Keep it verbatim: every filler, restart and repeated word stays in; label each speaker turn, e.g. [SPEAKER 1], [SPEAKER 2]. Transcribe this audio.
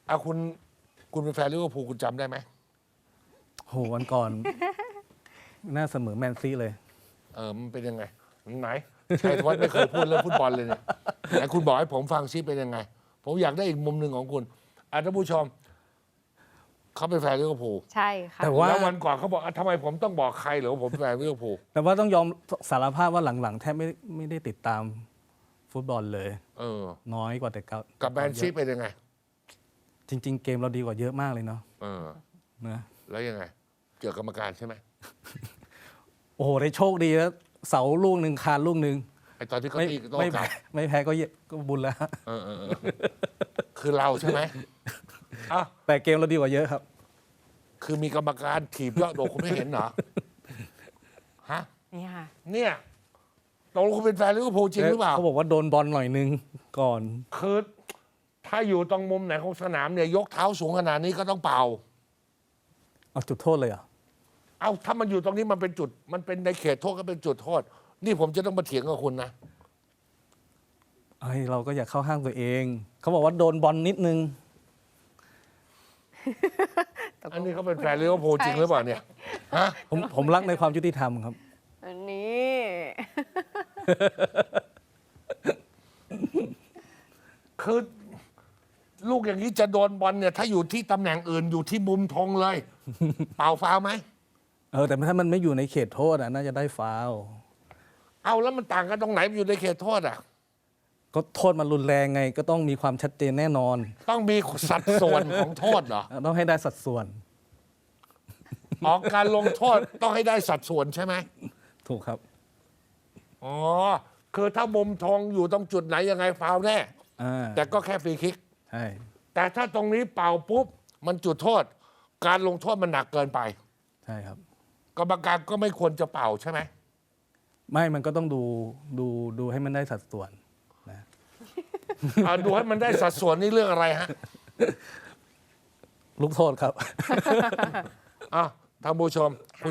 [SPEAKER 1] เอาคุณคุณเป็นแฟนลิเวอร์พูลคุณจำได้ไหม
[SPEAKER 2] โหวันก่อน น่าเสมอแมนซีเลย
[SPEAKER 1] เออมันเป็นยังไงไหนชัยธวัฒน์ไม่เคยพูดเรื่องฟุตบอลเลยเนี่ยไหนคุณบอกให้ผมฟังซิเป็นยังไง ผมอยากได้อีกมุมหนึ่งของคุณอ่ะท่านผู้ชมเขาเป็นแฟนลิเวอร์พูล
[SPEAKER 3] ใช่ค่ะ
[SPEAKER 2] แต่ว่า
[SPEAKER 1] แล้ววันก่อนเขาบอกอ่ะทำไมผมต้องบอกใครเหรอว่าผมเป็นแฟนลิเวอร์พูล
[SPEAKER 2] แต่ว่าต้องยอมสารภาพว่าหลังๆ แทบไม่ไม่ได้ติดตามฟุตบอลเลย
[SPEAKER 1] เออ
[SPEAKER 2] น้อยกว่าแต่เก่า
[SPEAKER 1] กับแมนซีเป็นยังไง
[SPEAKER 2] จริง ๆ เกมเราดีกว่าเยอะมากเลยเนาะ
[SPEAKER 1] เออ
[SPEAKER 2] นะ
[SPEAKER 1] แล้วยังไง เจอกรรมการใช่ไหม
[SPEAKER 2] โอ้โหได้โชคดีแล้วเสาลูกหนึ่งคานลูกหนึ่ง
[SPEAKER 1] ไอตอนที่เขา
[SPEAKER 2] ไม่
[SPEAKER 1] ตีโต้
[SPEAKER 2] ไม่
[SPEAKER 1] กลั
[SPEAKER 2] แพ้
[SPEAKER 1] บ
[SPEAKER 2] ไม่แพ้ก็เยก็บุญแล้ว
[SPEAKER 1] เออเออเออคือเราใช่ไหมอ่ะ
[SPEAKER 2] แต่เกมเราดีกว่าเยอะครับ
[SPEAKER 1] คือมีกรรมการถีบยอดโดคุณไม่เห็นเหรอฮะ
[SPEAKER 3] นี่ค่ะ
[SPEAKER 1] เนี่ยตกลงคุณเป็นแฟนลิเวอร์พูลจริงหรือเปล่า
[SPEAKER 2] เขาบอกว่าโดนบอลหน่อยนึงก่อน
[SPEAKER 1] คือถ้าอยู่ตรงมุมไหนของสนามเนี่ยยกเท้าสูงขนาดนี้ก็ต้องเป่า
[SPEAKER 2] เอาจุดโทษเลยเหรอ
[SPEAKER 1] เอาถ้ามันอยู่ตรงนี้มันเป็นจุด มันเป็นในเขตโทษก็เป็นจุดโทษ นี่ผมจะต้องมาเถียงกับคุณนะ
[SPEAKER 2] เอ้ยเราก็อยากเข้าห้างตัวเอง เขาบอกว่าโดนบอลนิดนึง
[SPEAKER 1] อันนี้เขาเป็นแฟนลิเวอร์พูลจริงหรือเปล่าเนี่ยฮะ
[SPEAKER 2] ผมผมรักในความยุติธรรมครับ
[SPEAKER 3] อันนี้
[SPEAKER 1] คือลูกอย่างนี้จะโดนบอลเนี่ย ถ้าอยู่ที่ตำแหน่งอื่นอยู่ที่มุมธงเลย เป่าฟาวล์ไหม
[SPEAKER 2] เออแต่ถ้ามันไม่อยู่ในเขตโทษอ่ะน่าจะได้ฟาวล์
[SPEAKER 1] เอาแล้วมันต่างกันตรงไหนมันอยู่ในเขตโทษอ่ะ
[SPEAKER 2] ก็โทษมันรุนแรงไง ก็ต้องมีความชัดเจนแน่นอน
[SPEAKER 1] ต้องมีสัดส่วนของโทษเหรอ
[SPEAKER 2] ต้องให้ได้สัดส่วน
[SPEAKER 1] ออกการลงโทษต้องให้ได้สัดส่วนใช่ไหม
[SPEAKER 2] ถูกครับ
[SPEAKER 1] อ๋อ คือถ้ามุมธงอยู่ตรงจุดไหนยังไงฟาวล์แน่
[SPEAKER 2] อ่า
[SPEAKER 1] แต่ก็แค่ฟรีคิก
[SPEAKER 2] ใช่
[SPEAKER 1] แต่ถ้าตรงนี้เป่าปุ๊บ มันจุดโทษ การลงโทษมันหนักเกินไป
[SPEAKER 2] ใช่ครับ
[SPEAKER 1] กรรมการก็ไม่ควรจะเป่าใช่ไหม
[SPEAKER 2] ไม่มันก็ต้องดูดูดูให้มันได้สัดส่วนนะ
[SPEAKER 1] อ่าดูให้มันได้สัดส่วนนี่เรื่องอะไรฮะ
[SPEAKER 2] ลูกโทษครับ
[SPEAKER 1] อ่ะท่านผู้ชม